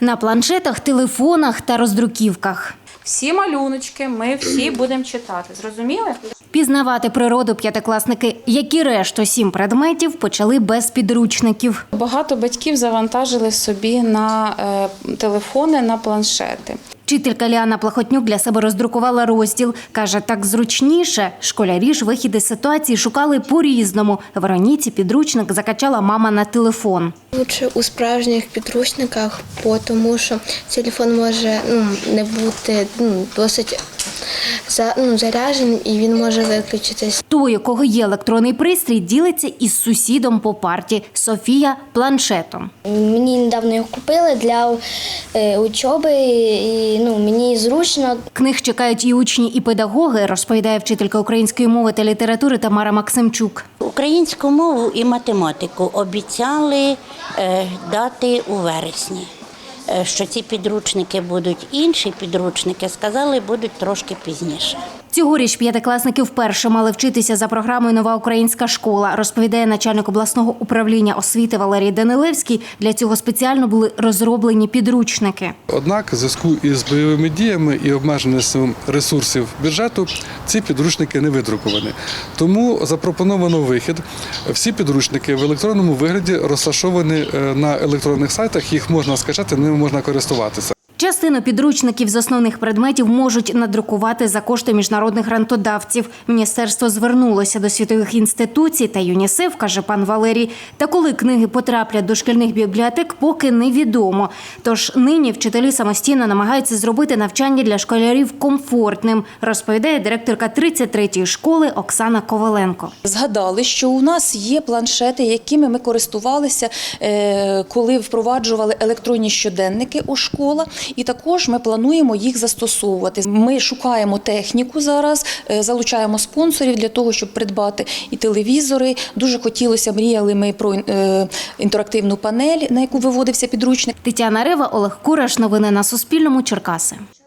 На планшетах, телефонах та роздруківках. Всі малюночки ми всі будемо читати. Зрозуміли? Пізнавати природу п'ятикласники, як і решту 7 предметів, почали без підручників. Багато батьків завантажили собі на телефони, на планшети. Вчителька Ліана Плахотнюк для себе роздрукувала розділ. Каже, так зручніше. Школярі ж вихід із ситуації шукали по-різному. Вероніці підручник закачала мама на телефон. Лучше у справжніх підручниках, тому що телефон може не бути досить заряджений і він може виключитись. Той, у кого є електронний пристрій, ділиться із сусідом по парті – Софія планшетом. Мені недавно його купили для учоби, і мені зручно. Книг чекають і учні, і педагоги, розповідає вчителька української мови та літератури Тамара Максимчук. Українську мову і математику обіцяли дати у вересні. Що ці підручники будуть інші підручники, сказали, будуть трошки пізніше. Цьогоріч п'ятикласники вперше мали вчитися за програмою «Нова українська школа», розповідає начальник обласного управління освіти Валерій Данилевський. Для цього спеціально були розроблені підручники. Однак, в зв'язку із бойовими діями і обмеженістю ресурсів бюджету ці підручники не видруковані. Тому запропоновано вихід. Всі підручники в електронному вигляді розташовані на електронних сайтах, їх можна скачати, ними можна користуватися. Частину підручників з основних предметів можуть надрукувати за кошти міжнародних грантодавців. Міністерство звернулося до світових інституцій та ЮНІСЕФ, каже пан Валерій. Та коли книги потраплять до шкільних бібліотек, поки невідомо. Тож нині вчителі самостійно намагаються зробити навчання для школярів комфортним, розповідає директорка 33-ї школи Оксана Коваленко. Згадали, що у нас є планшети, якими ми користувалися, коли впроваджували електронні щоденники у школах. І також ми плануємо їх застосовувати. Ми шукаємо техніку зараз, залучаємо спонсорів для того, щоб придбати і телевізори. Дуже хотілося, мріяли ми про інтерактивну панель, на яку виводився підручник. Тетяна Рева, Олег Кураш. Новини на Суспільному. Черкаси.